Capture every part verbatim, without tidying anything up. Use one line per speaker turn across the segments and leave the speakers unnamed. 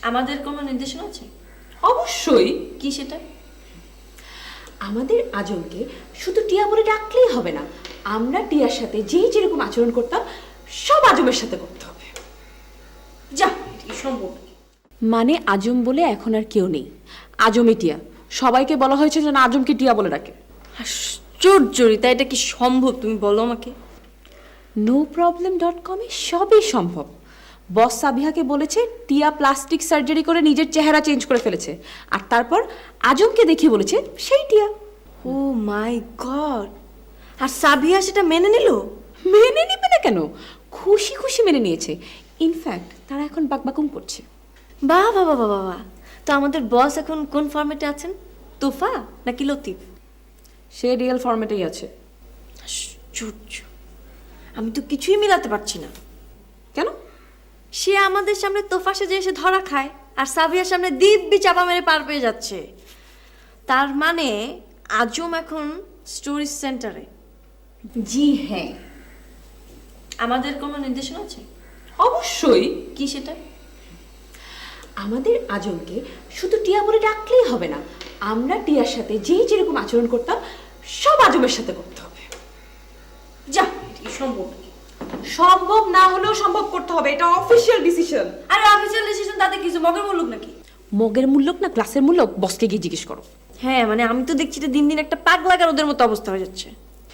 আমাদের কোনো নির্দেশনা আছে?
অবশ্যই।
কি সেটা?
আমাদের আজমকে শুধু টিয়া বলে ডাকলেই হবে না, আমরা টিয়ার সাথে যেই যেরকম আচরণ করতাম সব আজমের সাথে করতে হবে।
যা, এটা সম্ভব নাকি?
মানে আজম বলে এখন আর কেউ নেই, আজমই টিয়া। সবাইকে বলা হয়েছে যেন আজমকে টিয়া বলে ডাকে।
আশ্চর্যরিতা, এটা কি সম্ভব তুমি বলো আমাকে?
নো প্রবলেম ডট কমে সবই সম্ভব। বস সাবিহাকে বলেছে টিয়া প্লাস্টিক সার্জারি করে নিজের চেহারা চেঞ্জ করে ফেলেছে, আর তারপর আজমকে দেখিয়ে বলেছে সেই টিয়া।
ও মাই গড! আর সাবিয়া সেটা মেনে নিল?
মেনে নিবে না কেন, খুশি খুশি মেনে নিয়েছে। ইনফ্যাক্ট তারা এখন বাকবাকুম করছে।
বাহ বাবা বাবা বাহ! তো আমাদের বস এখন কোন ফরম্যাটে আছেন? তোফা নাকি লতিফ?
সে রিয়েল ফরম্যাটেই আছে।
আশ্চর্য, আমি তো কিছুই মিলাতে পারছি না।
কেন?
সে আমাদের সামনে তোফা সেজে এসে ধরা খায়, আর সাবিয়ার সামনে দিব্যি চাপা মেরে পার পেয়ে যাচ্ছে। তার মানে আজম এখন স্টোরি সেন্টারে।
জি হ্যাঁ।
আমাদের কোনো নির্দেশনা আছে?
অবশ্যই।
কি সেটা?
আমাদের আজমকে শুধু টিয়া বলে ডাকলেই হবে না, আমরা টিয়ার সাথে যেই যেরকম আচরণ করতাম সব আজমের সাথে করতে হবে।
যা, এটা কি সম্ভব নাকি?
সম্ভব না হলেও সম্ভব করতে হবে, এটা অফিসিয়াল ডিসিশন।
আরে অফিসিয়াল ডিসিশন, তাতে কিছু মগের মুলুক নাকি?
মগের মূল্যক না ক্লাসের মূল্যক, বসকে গিয়ে জিজ্ঞেস করো।
হ্যাঁ, মানে আমি তো দেখছি যে দিন দিন একটা পাগলাগার ওদের মতো অবস্থা হয়ে যাচ্ছে।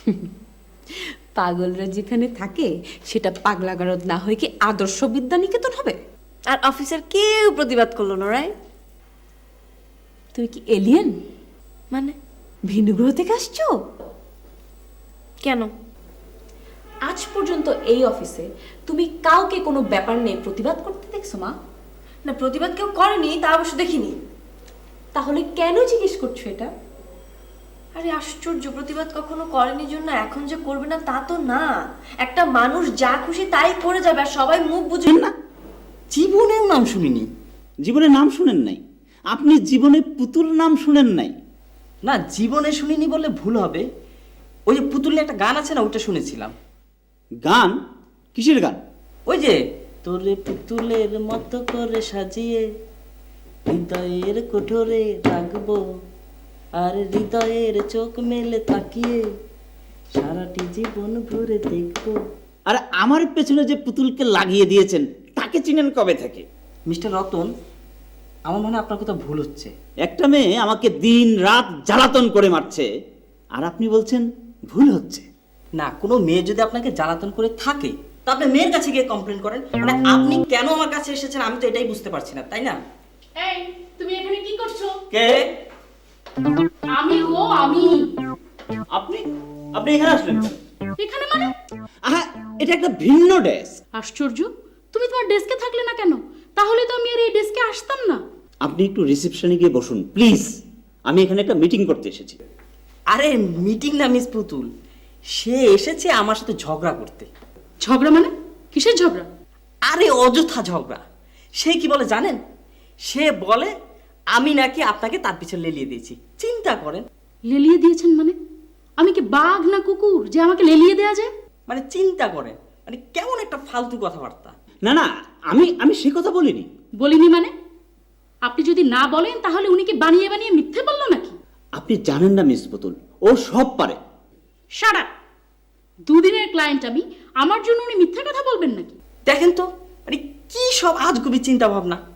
পাগলরা যেখানে থাকে সেটা পাগলাগারদ না হয়ে কি আদর্শ বিদ্যা নিকেতন হবে?
আর অফিসার কেউ প্রতিবাদ করলো না, রাইট?
তুমি কি এলিয়েন?
মানে
ভিন্ন গ্রহ থেকে আসছো?
কেন?
আজ পর্যন্ত এই অফিসে তুমি কাউকে কোনো ব্যাপার নিয়ে প্রতিবাদ করতে দেখছো মা?
না, প্রতিবাদ কেউ করেনি তা অবশ্য দেখিনি।
তাহলে কেন জিজ্ঞেস করছো এটা?
আরে আশ্চর্য, প্রতিবাদ কখনো করেনি জন্য এখন যে করবে না তা তো না। একটা মানুষ যা খুশি তাই করে যাবে, আর সবাই মুখ বুঝে
না, জীবনেও নাম শুনিনি। জীবনে নাম শুনেন নাই? আপনি জীবনে পুতুল নাম শুনেন নাই?
না, জীবনে শুনিনি বললে ভুল হবে। ওই যে পুতুলের একটা গান আছে না, ওটা শুনেছিলাম।
গান? কিসের গান?
ওই যে তোরে পুতুলের মতো করে সাজিয়ে হৃদয়ের কোঠরে রাখবো, আর হৃদয়ের চোখ মেলে তাকিয়ে সারাটি জীবন ভরে দেখবো।
আর আমার পেছনে যে পুতুলকে লাগিয়ে দিয়েছেন তাকে চিনেন কবে থেকে?
মিস্টার রতন, আমার মনে হয় আপনার কথা ভুল হচ্ছে।
একটা মেয়ে আমাকে দিন রাত জ্বালাতন করে মারছে, আর আপনি বলছেন ভুল হচ্ছে।
না, কোনো মেয়ে যদি আপনাকে জ্বালাতন করে থাকে তা আপনি মেয়ের কাছে গিয়ে কমপ্লেন করেন। মানে আপনি কেন আমার কাছে এসেছেন আমি তো এটাই বুঝতে পারছি না, তাই না?
এই, তুমি এখানে কি করছো?
কে?
আমি ও আমি
আপনি? আপনি এখানে আসলেন কেন?
এখানে মানে?
আহা, এটা একটা ভিন্ন ডেস্ক।
আশ্চর্য, তুমি তোমার ডেস্কে থাকলে না কেন? তাহলে তো আমি আর এই ডেস্কে আসতাম না।
আপনি একটু রিসেপশনে গিয়ে বসুন প্লিজ, আমি এখানে একটা মিটিং করতে এসেছি।
আরে মিটিং না মিস পুতুল, সে এসেছে আমার সাথে ঝগড়া করতে।
ঝগড়া মানে? কিসের ঝগড়া?
আরে অযথা ঝগড়া। সে কি বলে জানেন? সে বলে আমি নাকি আপনাকে তার পিছনে লেলিয়ে দিয়েছি। চিন্তা করেন।
লেলিয়ে দিয়েছেন মানে? আমি কি বাঘ না কুকুর যে আমাকে লেলিয়ে দেয়া যায়?
মানে চিন্তা করেন, মানে কেমন একটা ফালতু কথাবার্তা।
না না, আমি আমি সে কথা বলিনি।
বলিনি মানে? আপনি যদি না বলেন তাহলে উনি কি বানিয়ে বানিয়ে মিথ্যে বললো নাকি?
আপনি জানেন না মিস পুতুল, ও সব পারে।
Shut up! দুদিনের ক্লায়েন্ট আমি, আমার জন্য উনি মিথ্যা কথা বলবেন নাকি?
দেখেন তো, মানে কি সব আজগুবি চিন্তা ভাবনা।